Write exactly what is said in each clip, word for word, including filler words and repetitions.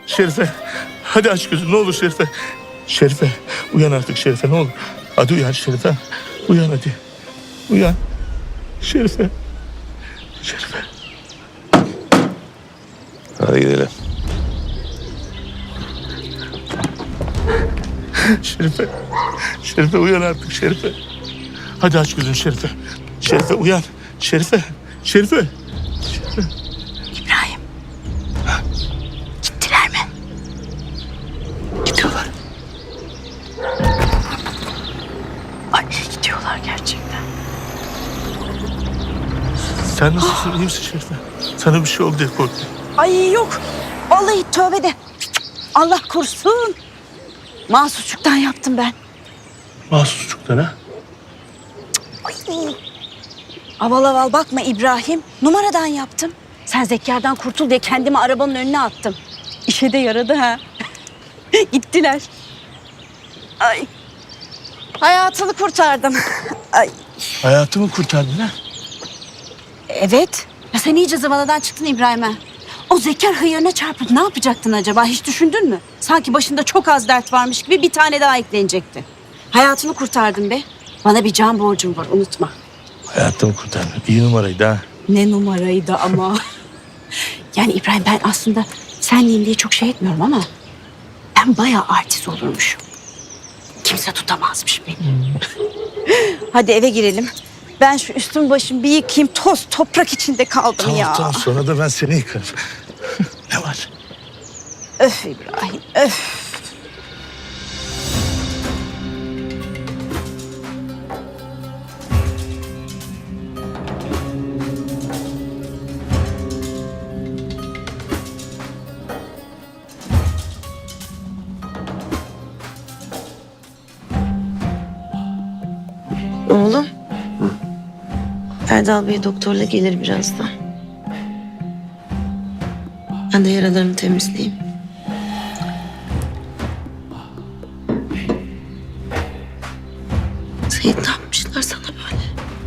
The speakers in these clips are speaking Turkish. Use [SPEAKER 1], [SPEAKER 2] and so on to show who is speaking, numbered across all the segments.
[SPEAKER 1] Şerife. Hadi aç gözünü ne olur Şerife. Şerife. Uyan artık Şerife ne olur. Hadi uyan Şerife. Uyan hadi. Uyan. Şerife. Şerife.
[SPEAKER 2] Hadi gidelim.
[SPEAKER 1] Şerife. Şerife uyan artık Şerife. Hadi aç gözünü Şerife. Şerife uyan. Şerife. Şerife. Şerife.
[SPEAKER 3] İbrahim. Gittiler mi?
[SPEAKER 1] Gidiyorlar.
[SPEAKER 3] Ay gidiyorlar gerçekten.
[SPEAKER 1] Sen nasılsın? İyi misin Şerife? Sana bir şey oldu diye korktum.
[SPEAKER 3] Ay yok. Vallahi tövbe de. Allah korusun. Mahsusçuktan yaptım ben.
[SPEAKER 1] Mahsusçuktan ha?
[SPEAKER 3] Ay. Aval aval bakma İbrahim. Numaradan yaptım. Sen Zekka'dan kurtul diye kendimi arabanın önüne attım. İşe de yaradı ha. Gittiler. Ay. Hayatını kurtardım. Ay.
[SPEAKER 1] Hayatımı kurtardın ha?
[SPEAKER 3] Evet. Ya sen iyice zıvanadan çıktın İbrahim'e. O Zekker hıyarına çarpıp ne yapacaktın acaba? Hiç düşündün mü? Sanki başında çok az dert varmış gibi bir tane daha eklenecekti. Hayatını kurtardın be. Bana bir can borcum var unutma.
[SPEAKER 1] Hayatımı kurtardın. İyi numaraydı ha.
[SPEAKER 3] Ne numaraydı ama. Yani İbrahim ben aslında senliyim diye çok şey etmiyorum ama... ben bayağı artist olurmuşum. Kimse tutamazmış beni. Hadi eve girelim. Ben şu üstüm başım bir yıkayayım. Toz toprak içinde kaldım
[SPEAKER 1] Tamam
[SPEAKER 3] ya.
[SPEAKER 1] tamam sonra da ben seni yıkarım. Ne var?
[SPEAKER 3] Öf İbrahim öf.
[SPEAKER 4] Oğlum. Erdal Bey doktorla gelir birazdan. Ben de yaralarını temizleyeyim. Seyit ne yapmışlar sana böyle?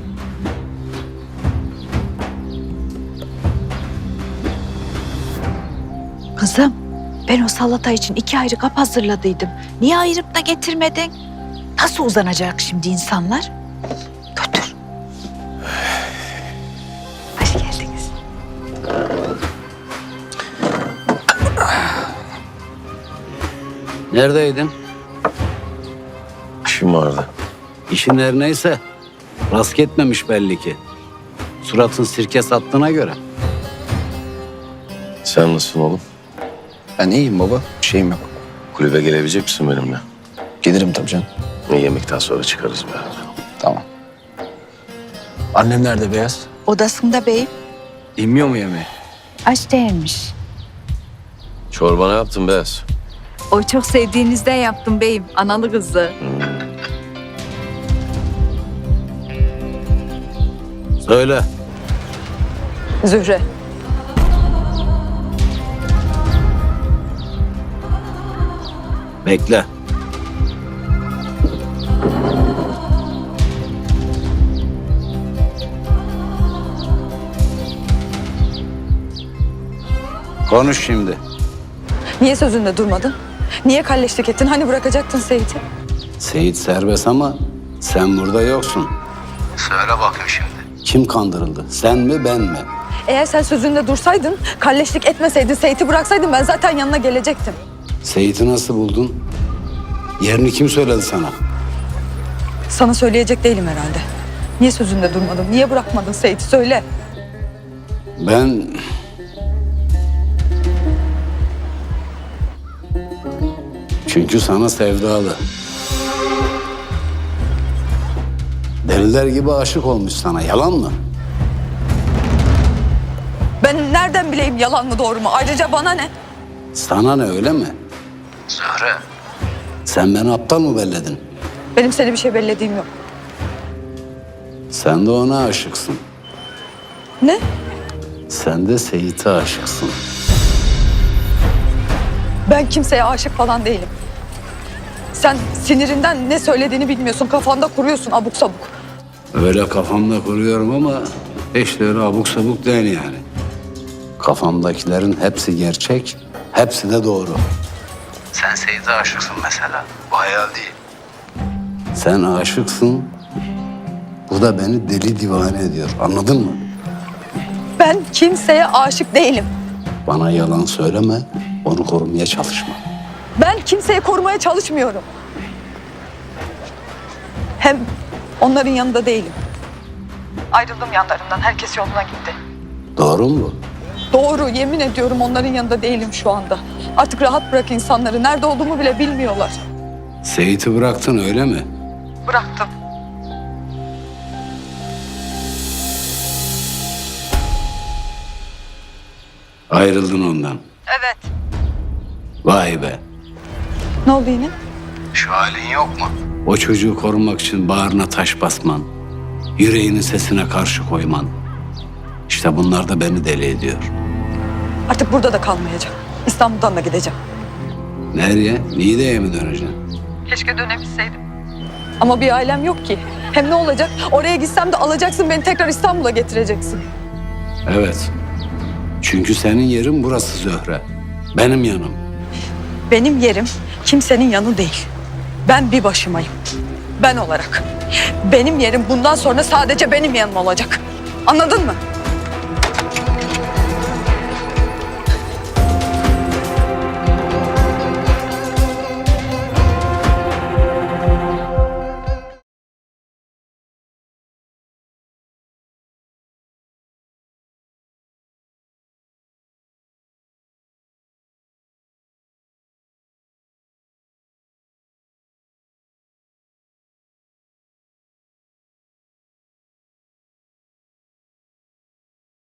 [SPEAKER 5] Kızım, ben o salata için iki ayrı kap hazırladıydım. Niye ayırıp da getirmedin? Nasıl uzanacak şimdi insanlar? Götür. Hoş geldiniz.
[SPEAKER 6] Neredeydin?
[SPEAKER 2] İşim vardı.
[SPEAKER 6] İşin her neyse rast gitmemiş belli ki. Suratın sirke sattığına göre.
[SPEAKER 2] Sen nasılsın oğlum?
[SPEAKER 7] Ben iyiyim baba. Bir şeyim yok.
[SPEAKER 2] Kulübe gelebilecek misin benimle?
[SPEAKER 7] Gelirim tabii canım.
[SPEAKER 2] Yemekten sonra çıkarız beraber.
[SPEAKER 7] Tamam. Annem nerede Beyaz?
[SPEAKER 5] Odasında beyim.
[SPEAKER 7] İnmiyor mu yemeğe?
[SPEAKER 5] Aç değilmiş.
[SPEAKER 2] Çorba ne yaptın Beyaz?
[SPEAKER 5] O çok sevdiğinizden yaptım beyim. Analı kızı.
[SPEAKER 6] Söyle.
[SPEAKER 5] Zühre.
[SPEAKER 6] Bekle. Konuş şimdi.
[SPEAKER 8] Niye sözünde durmadın? Niye kalleşlik ettin? Hani bırakacaktın Seyit'i?
[SPEAKER 6] Seyit serbest ama sen burada yoksun. Söyle bakayım şimdi. Kim kandırıldı? Sen mi ben mi?
[SPEAKER 8] Eğer sen sözünde dursaydın, kalleşlik etmeseydin, Seyit'i bıraksaydın ben zaten yanına gelecektim.
[SPEAKER 6] Seyit'i nasıl buldun? Yerini kim söyledi sana?
[SPEAKER 8] Sana söyleyecek değilim herhalde. Niye sözünde durmadın? Niye bırakmadın Seyit'i? Söyle.
[SPEAKER 6] Ben... Çünkü sana sevdalı. Deliler gibi aşık olmuş sana. Yalan mı?
[SPEAKER 8] Ben nereden bileyim yalan mı doğru mu? Ayrıca bana ne?
[SPEAKER 6] Sana ne öyle mi? Zahra. Sen beni aptal mı belledin?
[SPEAKER 8] Benim seni bir şey bellediğim yok.
[SPEAKER 6] Sen de ona aşıksın.
[SPEAKER 8] Ne?
[SPEAKER 6] Sen de Seyit'e aşıksın.
[SPEAKER 8] Ben kimseye aşık falan değilim. Sen sinirinden ne söylediğini bilmiyorsun. Kafanda kuruyorsun abuk sabuk.
[SPEAKER 6] Öyle kafamda kuruyorum ama hiç de öyle abuk sabuk değil yani. Kafamdakilerin hepsi gerçek, Hepsi de doğru. Sen Seyit'e aşıksın mesela. Bu hayal değil. Sen aşıksın. Bu da beni deli divane ediyor. Anladın mı?
[SPEAKER 8] Ben kimseye aşık değilim.
[SPEAKER 6] Bana yalan söyleme. Onu korumaya çalışma.
[SPEAKER 8] Ben kimseyi korumaya çalışmıyorum. Hem onların yanında değilim. Ayrıldım yanlarından. Herkes yoluna gitti.
[SPEAKER 6] Doğru mu bu?
[SPEAKER 8] Doğru, yemin ediyorum onların yanında değilim şu anda. Artık rahat bırak insanları. Nerede olduğumu bile bilmiyorlar.
[SPEAKER 6] Seyit'i bıraktın öyle mi?
[SPEAKER 8] Bıraktım.
[SPEAKER 6] Ayrıldın ondan.
[SPEAKER 8] Evet.
[SPEAKER 6] Vay be.
[SPEAKER 8] Ne oldu yine?
[SPEAKER 6] Şu halin yok mu? O çocuğu korumak için bağrına taş basman, yüreğinin sesine karşı koyman. İşte bunlar da beni deli ediyor.
[SPEAKER 8] Artık burada da kalmayacağım. İstanbul'dan da gideceğim.
[SPEAKER 6] Nereye? Niğde'ye mi döneceksin?
[SPEAKER 8] Keşke dönebilseydim. Ama bir ailem yok ki. Hem ne olacak? Oraya gitsem de alacaksın beni tekrar İstanbul'a getireceksin.
[SPEAKER 6] Evet. Çünkü senin yerin burası Zöhre. Benim yanım.
[SPEAKER 8] Benim yerim kimsenin yanı değil. Ben bir başımayım. Ben olarak. Benim yerim bundan sonra sadece benim yanım olacak. Anladın mı?